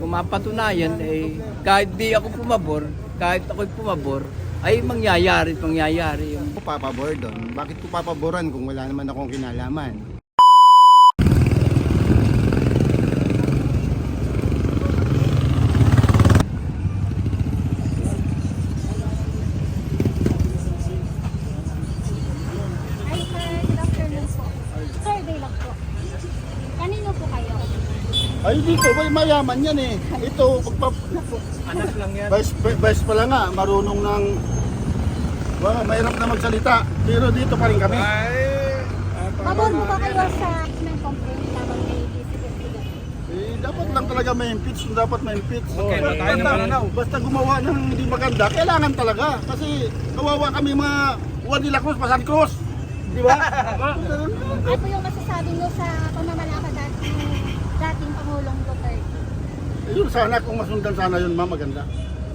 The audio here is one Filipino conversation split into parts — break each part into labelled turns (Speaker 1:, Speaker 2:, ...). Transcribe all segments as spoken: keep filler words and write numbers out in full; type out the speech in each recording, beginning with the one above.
Speaker 1: Kung mapatunayan, eh, kahit di ako pumabor, kahit ako'y pumabor, ay mangyayari at mangyayari yung...
Speaker 2: Ako papabor doon. Bakit ko papaboran kung wala naman akong kinalaman?
Speaker 3: Hi sir, good afternoon po. Survey lang po. Kanino po kayo?
Speaker 2: Ay dito, may mayaman yan eh. Ito, pagpa...
Speaker 1: Anak lang yan.
Speaker 2: Vice, vice pala nga, marunong ng... Well, mahirap na magsalita. Pero dito pa rin kami.
Speaker 3: Pabor mo ba kayo sa impeachment complaint laban kay D C Investigator?
Speaker 2: Eh, dapat lang talaga may impeach. Dapat may impeach.
Speaker 4: Okay,
Speaker 2: basta,
Speaker 4: tayo na pananaw.
Speaker 2: basta gumawa ng hindi maganda, kailangan talaga. Kasi kawawa kami mga Juan de la Cruz, Pasan Cruz. Di ba?
Speaker 3: Ano po yung masasabi nyo sa pamamalakad dating, dating Pangulong Duterte?
Speaker 2: Eh, yun sana, kung masundan sana yun, ma, maganda.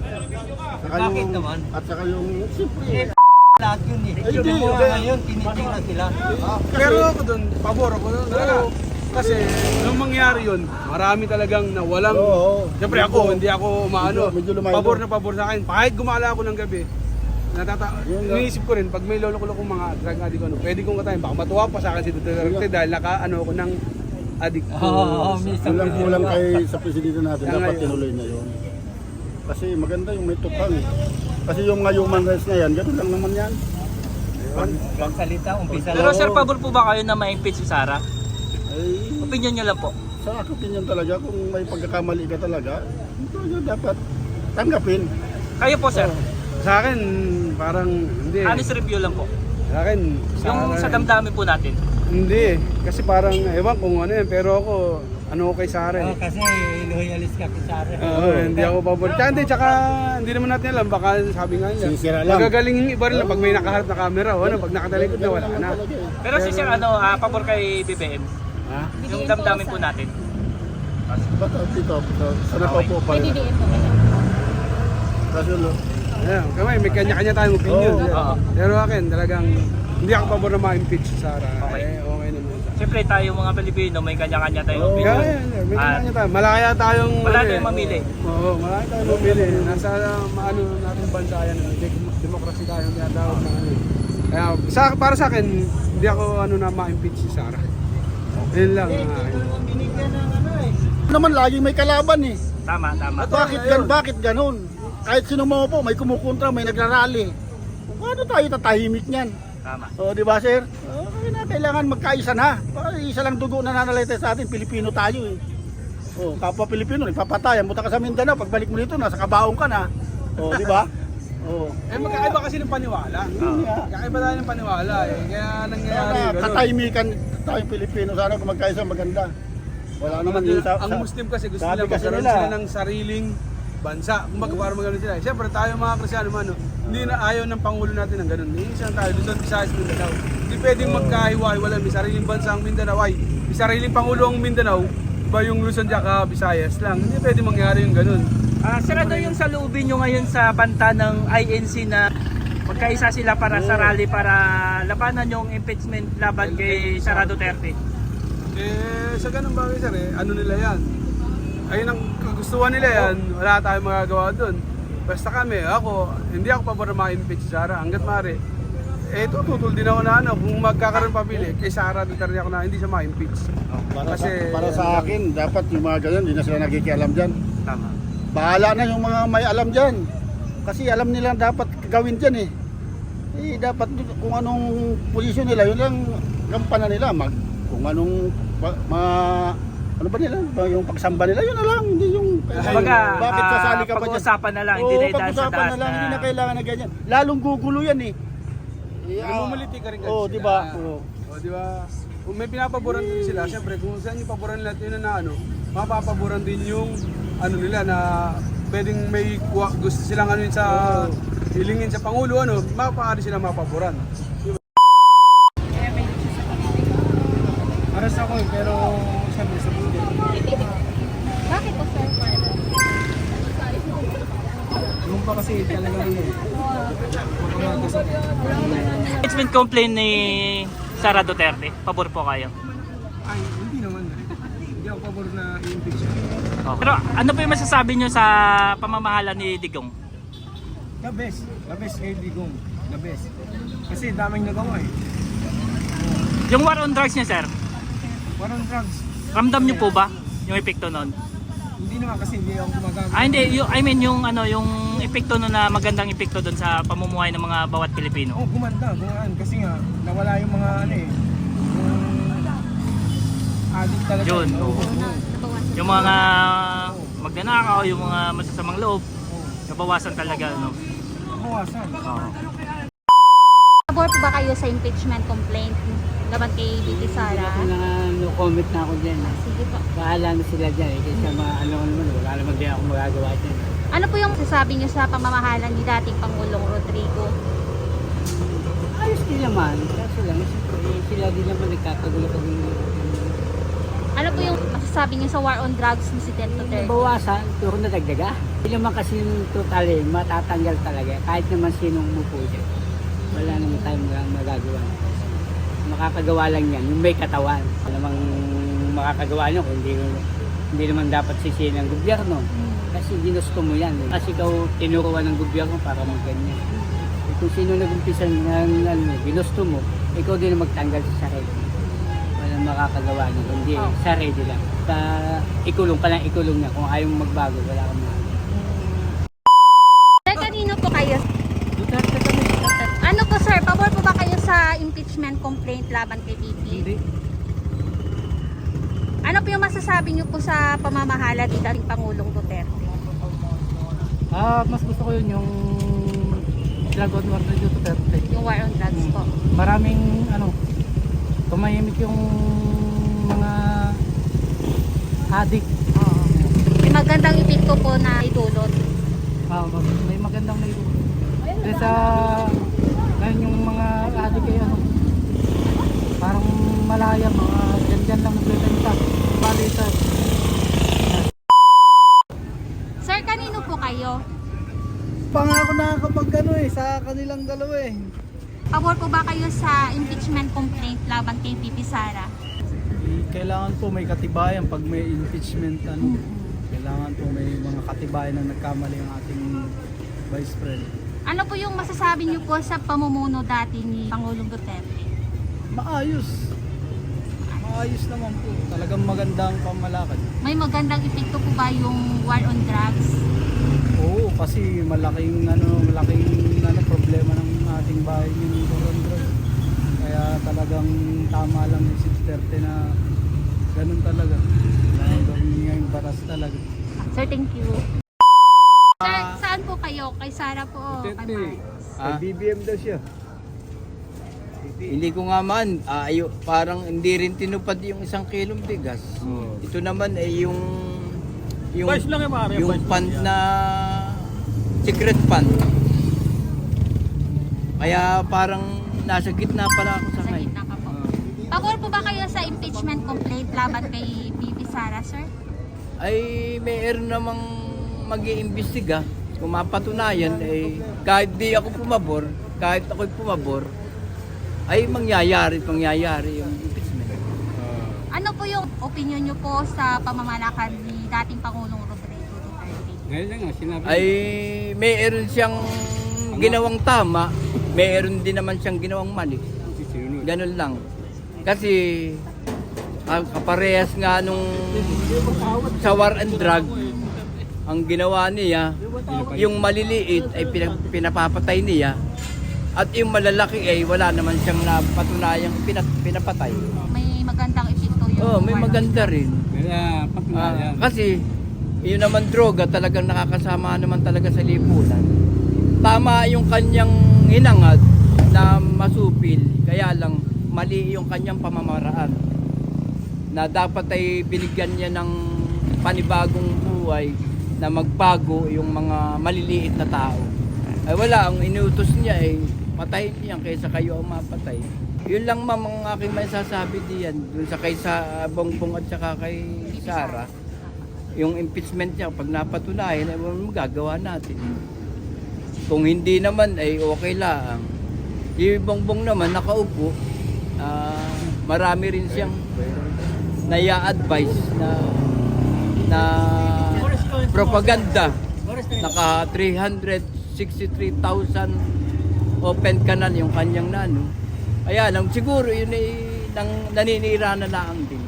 Speaker 2: Saka
Speaker 1: Bakit
Speaker 2: yung,
Speaker 1: naman?
Speaker 2: At saka yung, siyempre,
Speaker 1: Lahat yun eh.
Speaker 2: Ay, hindi,
Speaker 1: Yung mga
Speaker 2: hindi.
Speaker 1: ngayon, tinitingnan sila. Ah,
Speaker 4: Pero ako doon, pabor ako doon. Talaga. Kasi nung mangyari yun, marami talagang nawalang.
Speaker 2: Oo.
Speaker 4: Siyempre ako, hindi ako maano.
Speaker 2: Medyo- medyo lumayo.
Speaker 4: Pabor na pabor sa akin. Kahit gumala ako ng gabi, natata
Speaker 2: Yun nga.
Speaker 4: iniisip ko rin, pag may lolo-lolo kong mga drug addict, ano, pwede kong katayin. Baka matuwa pa sa akin si Duterte dahil naka ano ako ng addict ko.
Speaker 1: Oo, minsan.
Speaker 2: kulang-kulang kay sa presidente natin,
Speaker 4: Kaya
Speaker 2: dapat
Speaker 4: ngayon.
Speaker 2: tinuloy na yun. Kasi maganda yung may tukang eh. Kasi yung nga human rights na yan, gano'n lang naman yan.
Speaker 1: Pagsalita, umpisa
Speaker 5: Pero
Speaker 1: lang.
Speaker 5: sir, pabor po ba kayo na ma-impeach si Sara?
Speaker 2: Ay,
Speaker 5: Opinion nyo lang po.
Speaker 2: sa akin opinion talaga, kung may pagkakamali ka talaga, talaga dapat tanggapin.
Speaker 5: Kayo po sir,
Speaker 4: Sa akin, parang hindi.
Speaker 5: honest review lang po.
Speaker 4: Sa akin,
Speaker 5: Yung sa damdamin po natin.
Speaker 4: Hindi. Kasi parang, ewan kung ano yun. Pero ako, ano ko kay Sara
Speaker 1: Oh,
Speaker 4: eh.
Speaker 1: kasi loyalist ka kay Sara.
Speaker 4: Oo, hindi ako pabor. Tsaka hindi, tsaka hindi naman natin alam. Baka sabi nga niya.
Speaker 2: Sinisira lang.
Speaker 4: Magagaling yung iba rin lang pag may nakaharap na camera. O ano, pag nakatalikod na, wala na.
Speaker 5: Pero si sir, ano, ah, pabor kay B B M.
Speaker 2: Ha?
Speaker 5: Yung damdamin po natin.
Speaker 2: Ba't uh, dito, dito, sana pa po pa
Speaker 3: May
Speaker 2: rin.
Speaker 3: D D M po kayo.
Speaker 2: Kasi lo,
Speaker 4: Ayan, kamay, may kanya-kanya tayong opinion.
Speaker 2: Oo.
Speaker 5: Oo.
Speaker 4: Pero akin, talagang hindi ako pabor na ma-impeach si Sara.
Speaker 5: Okay.
Speaker 4: Eh, okay naman.
Speaker 5: Siyempre tayo mga Pilipino, may kanya-kanya tayong
Speaker 2: Oo.
Speaker 4: Kaya
Speaker 5: opinion.
Speaker 4: yan, may
Speaker 5: Ah.
Speaker 4: kanya tayo. Malaya tayong...
Speaker 5: Wala
Speaker 4: ano
Speaker 5: tayong
Speaker 4: eh.
Speaker 5: mamili.
Speaker 4: Oo, malaki tayong mamili. Nasa maano natin bansa yan. Dem- Democracy tayo ang tinatawag na ano. eh. Kaya sa, para sa akin, hindi ako ano na ma-impeach si Sara. Yun lang. ah.
Speaker 2: naman laging may kalaban eh.
Speaker 5: Tama, tama.
Speaker 2: Bakit gan bakit ganun? Kahit sino mo po, may kumukontra, may nagrarally. Paano tayo tatahimik niyan?
Speaker 5: Tama.
Speaker 2: O, di ba, sir? O, kaya na, kailangan magkaisa na. Baka isa lang dugo na nanalaita sa atin, Pilipino tayo eh. O, kapwa Pilipino, nagpapatayan. Punta ka sa Mindanao, pagbalik mo dito, nasa kabaong ka na. O, di ba? O.
Speaker 4: Eh, magkakaiba kasi ng paniwala.
Speaker 2: Yun nga.
Speaker 4: Magkakaiba tayo ng paniwala eh. Kaya nangyayari
Speaker 2: Sana,
Speaker 4: yung ganun.
Speaker 2: katahimikan tayong Pilipino. Sana kung magkaisa maganda. Wala naman din sa...
Speaker 4: Ang Muslim kasi gusto
Speaker 2: sabi
Speaker 4: nila
Speaker 2: kasi
Speaker 4: magkaroon
Speaker 2: nila,
Speaker 4: sila ng sariling bansa. Kung baga para magkaroon sila. Siyempre tayo mga Kristyano man, no, hindi na ayaw ng Pangulo natin ng ganun. Iinsan tayo, Luzon, Visayas, Mindanao. Hindi pwedeng magkahiwa-hiwala. May sariling bansa ang Mindanao. Ay, may sariling Pangulo ang Mindanao. Iba yung Luzon tsaka Visayas lang. Hindi pwedeng mangyari yung ganun.
Speaker 5: Ah, sir, ano yung saluubin nyo ngayon sa banta ng I N C na magkaisa sila para sa rally para labanan yung impeachment laban kay Sara Duterte?
Speaker 4: Eh, sa ganung bagay sir eh, ano nila yan? Ayun ang kagustuhan nila yan, wala tayong magagawa doon. Basta kami, ako, hindi ako pabor na ma-impeach si Sara, hanggat maaari. Eh, tututol din ako na ano, kung magkakaroon pabili, kay Sara Duterte ako na hindi siya ma-impeach.
Speaker 2: Para,
Speaker 4: Kasi-
Speaker 2: sa, para sa akin, dapat yung mga ganyan, hindi na sila nakikialam dyan.
Speaker 5: Tama.
Speaker 2: Bahala na yung mga may alam dyan. Kasi alam nila dapat gawin dyan eh. Eh, dapat kung anong posisyon nila, yun lang gampanan nila. Mag, kung anong, ma, ma- ano ba nila? Ba yung pagsamba nila, yun na lang. Hindi yung,
Speaker 5: Kumbaga,
Speaker 2: bakit
Speaker 5: ah,
Speaker 2: sasali ka pa dyan?
Speaker 5: pag-uusapan na lang, hindi
Speaker 2: Oo,
Speaker 5: na idaan sa
Speaker 2: pag-usapan
Speaker 5: taas
Speaker 2: na lang,
Speaker 5: na-
Speaker 2: hindi na kailangan na ganyan. Lalong gugulo yan eh. Eh, ah,
Speaker 4: Namumuliti ka rin kasi
Speaker 2: Oo,
Speaker 4: sila.
Speaker 2: di ba? Oo.
Speaker 4: O, di ba? Kung may pinapaboran din sila, syempre kung saan yung paboran nila, yun na ano, mapapaboran din yung ano nila na pwedeng may kuha, gusto silang ano yun sa hilingin sa Pangulo, ano, mapaari silang mapaboran. Aras ako eh, pero siyempre sa buhay.
Speaker 3: Bakit po sir?
Speaker 4: Yung pa kasi talaga ano eh.
Speaker 5: Impeachment complaint ni Sara Duterte, pabor po kayo?
Speaker 4: Ay, hindi naman. Hindi ako pabor na i-impeach siya.
Speaker 5: Pero ano po yung masasabi nyo sa pamamahala ni Digong?
Speaker 6: The best. The best kay Digong. The best. Kasi daming nagawa eh.
Speaker 5: Yung war on drugs niya, sir,
Speaker 6: Warang drugs.
Speaker 5: ramdam nyo po ba yung epekto nun?
Speaker 6: Hindi naman kasi hindi ako gumagawa.
Speaker 5: Ah, hindi. Yung, I mean, yung, ano, yung epekto nun na magandang epekto dun sa pamumuhay ng mga bawat Pilipino.
Speaker 6: Oh, gumanda, gumaan. Kasi nga, nawala yung mga ano eh. Yung addict talaga.
Speaker 5: Yun,
Speaker 6: Oo.
Speaker 5: oo.
Speaker 3: Nabawasan.
Speaker 5: Yung mga magnanakaw, yung mga masasamang loob, nabawasan talaga, no?
Speaker 6: Bawasan.
Speaker 5: Oo.
Speaker 3: Pabor po ba kayo sa impeachment complaint laban kay Bibi Sara?
Speaker 1: Ako na no comment na ako dyan. eh.
Speaker 3: Sige po.
Speaker 1: Bahala na sila dyan eh. Kasi mga ano ko naman, wala naman din ako magagawa dyan.
Speaker 3: Ano po yung sasabi niyo sa pamamahala ni dating Pangulong Rodrigo?
Speaker 1: Ayos din naman. Kaso lang, siyempre, sila din naman nagkakagulo-kagulo.
Speaker 3: Ano po yung masasabi niyo sa war on drugs ni si Ted Duterte?
Speaker 1: Bawasan, puro na dagdaga. Hindi naman kasi yung total eh, matatanggal talaga. Kahit naman sinong umupo dyan. Wala naman tayong mga- magagawa. Makakagawa lang yan, yung may katawan. Wala namang makakagawa nyo kung hindi, hindi naman dapat sisihin ng gobyerno. Kasi ginusto mo yan. Eh. Kasi ikaw tinuruan ng gobyerno para magganyan. Eh, kung sino nag-umpisa ng ano, ginusto mo, ikaw din ang magtanggal sa sarili. Walang makakagawa nyo, kundi
Speaker 3: Oh.
Speaker 1: sarili lang. Sa ikulong ka lang, ikulong na. Kung ayaw mo magbago, wala kang mga.
Speaker 3: Sir, kanino po kayo?
Speaker 1: Duterte kami.
Speaker 3: Ano po sir, pabor po ba kayo sa impeachment complaint laban kay Bibi?
Speaker 1: Hindi.
Speaker 3: Ano po yung masasabi niyo po sa pamamahala ni dating Pangulong Duterte?
Speaker 7: Ah, mas gusto ko yun yung drug on war na Duterte.
Speaker 3: Yung war on drugs po.
Speaker 7: Maraming ano, tumahimik yung mga addict.
Speaker 3: Oo. May magandang epekto po na idulot.
Speaker 7: Ah, mag- may magandang na ito. Kasi sa ngayon yung mga addict ay ano, parang malaya, mga dyan-dyan lang nagbebenta. Balitan.
Speaker 3: Sir, kanino po kayo?
Speaker 6: Pangako na kapag ano eh, sa kanilang dalawa eh.
Speaker 3: Pabor po ba kayo sa impeachment complaint laban kay Bibi Sara?
Speaker 6: Kailangan po may katibayan pag may impeachment ano. Kailangan po may mga katibayan na nagkamali ang ating Vice President.
Speaker 3: Ano po yung masasabi niyo po sa pamumuno dati ni Pangulong Duterte?
Speaker 6: Maayos. Maayos naman po. Talagang magandang pamalakad.
Speaker 3: May magandang epekto po ba yung war on drugs?
Speaker 6: Oo, kasi malaking ano, malaking ano problema ng ating bahay yung Corondro. Kaya talagang tama lang yung si Duterte na ganun talaga. Kailangan gawin niya yung batas talaga.
Speaker 3: Sir, thank you. Sir, saan po kayo? Kay Sara po o kay Marcos?
Speaker 1: Ah,
Speaker 6: B B M daw siya.
Speaker 1: hindi ko nga man, ah, ayo, parang hindi rin tinupad yung isang kilong bigas. Ito naman ay yung yung, yung fund na secret fund. Kaya parang nasa gitna pala ako sa
Speaker 3: Sa
Speaker 1: ngayon.
Speaker 3: gitna ka po. Pabor po ba kayo sa impeachment complaint laban kay Bibi Sara, sir?
Speaker 1: Ay mayroon namang mag-iimbestiga. Kung mapatunayan, ay kahit di ako pumabor, kahit ako'y pumabor, ay mangyayari, mangyayari yung impeachment.
Speaker 3: Ano po yung opinion niyo po sa pamamalakad ni dating Pangulong Rodrigo Duterte?
Speaker 1: Ay mayroon siyang ginawang tama, mayroon din naman siyang ginawang mali. Ganun lang. Kasi ang kaparehas nga nung sa war and drug, ang ginawa niya, yung maliliit ay pinap- pinapapatay niya at yung malalaki ay wala naman siyang napatunayang pinat- pinapatay.
Speaker 3: May magandang epekto yung
Speaker 1: Oh, may
Speaker 3: war on
Speaker 1: maganda
Speaker 3: drugs.
Speaker 1: rin. Ah, kasi yun naman droga talagang nakakasama naman talaga sa lipunan. Tama yung kanyang hinangad na masupil, kaya lang mali yung kanyang pamamaraan. Na dapat ay binigyan niya ng panibagong buhay na magbago yung mga maliliit na tao. Ay wala, ang inutos niya ay patayin niya kaysa kayo ang mapatay. Yun lang ma'am ang aking masasabi diyan dun sa kay sa Bongbong at saka kay Sara. Yung impeachment niya pag napatunayan ay magagawa natin. Kung hindi naman ay okay lang. Yung Bongbong naman nakaupo, ah, marami rin siyang naya-advise na na propaganda. Naka three hundred sixty-three thousand open canal yung kanyang nano. Kaya lang, siguro yun ay nang, naninira na lang din.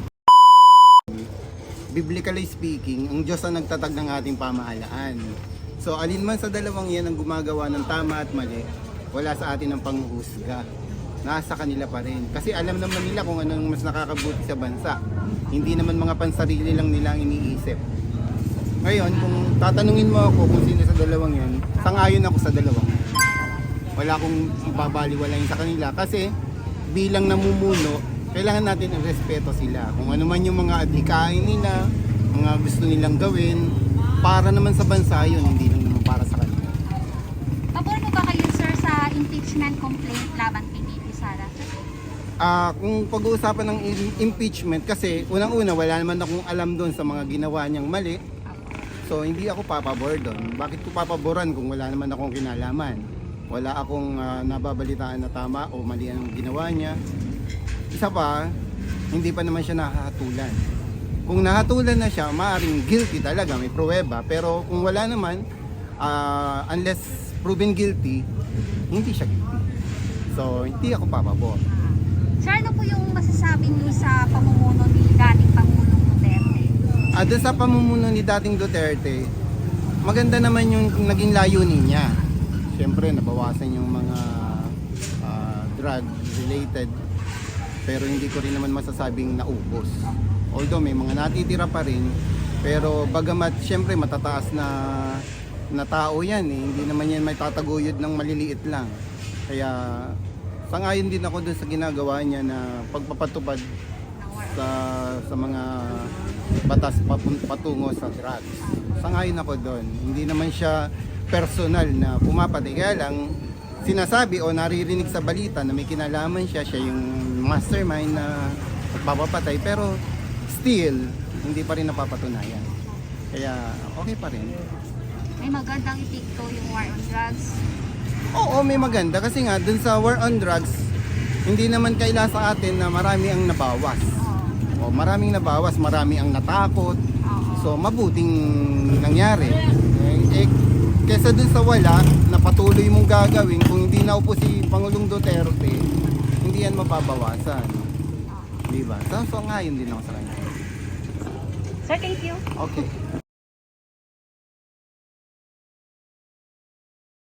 Speaker 8: Biblically speaking, ang Diyos ang nagtatag ng ating pamahalaan. So alin man sa dalawang yan ang gumagawa ng tama at mali, wala sa atin ang panghuhusga. Nasa kanila pa rin. Kasi alam naman nila kung anong mas nakakabuti sa bansa. Hindi naman mga pansarili lang nila ang iniisip. Ngayon, kung tatanungin mo ako kung sino sa dalawang yan, sangayon ako sa dalawang. Wala akong babaliwalain sa kanila kasi bilang namumuno, kailangan natin ang respeto sila. Kung ano man yung mga adhikain nila, mga gusto nilang gawin, para naman sa bansa yun, hindi lang naman para sa kanila.
Speaker 3: Pabor mo ba kayo, sir, sa impeachment complaint laban kay B P Sara?
Speaker 8: Ah, kung pag-uusapan ng im- impeachment, kasi unang-una wala naman akong alam doon sa mga ginawa niyang mali. So hindi ako papabor doon. Bakit ko papaboran kung wala naman akong kinalaman? Wala akong ah, nababalitaan na tama o mali ang ginawa niya. Isa pa, hindi pa naman siya nakahatulan. Kung nahatulan na siya, maaaring guilty talaga, may pruweba. Pero kung wala naman, ah, unless proven guilty, hindi siya guilty. So hindi ako papabor.
Speaker 3: Sir, ano po yung masasabi niyo sa pamumuno ni dating Pangulong Duterte?
Speaker 8: Ah, doon sa pamumuno ni dating Duterte, maganda naman yung naging layunin niya. Siyempre, nabawasan yung mga ah, drug-related, pero hindi ko rin naman masasabing naubos. Although may mga natitira pa rin, pero bagamat siyempre matataas na, na tao yan, eh, hindi naman yan may tataguyod ng maliliit lang. Kaya sangayon din ako doon sa ginagawa niya na pagpapatupad sa sa mga batas papun- patungo sa drugs. Sangayon ako doon. Hindi naman siya personal na pumapatay. Kaya lang sinasabi o naririnig sa balita na may kinalaman siya, siya yung mastermind na papapatay. Pero still, hindi pa rin napapatunayan. Kaya okay pa rin.
Speaker 3: May magandang epekto yung war on drugs.
Speaker 8: Oo, may maganda kasi nga dun sa war on drugs, hindi naman kaila sa atin na marami ang nabawas. O maraming nabawas, marami ang natakot. So mabuting nangyari. Eh, eh kesa dun sa wala na patuloy mong gagawin, kung hindi naupo si Pangulong Duterte, hindi yan mababawasan. Di ba? So, so ngayon din ako sa kanya.
Speaker 3: Sir, thank you.
Speaker 8: Okay.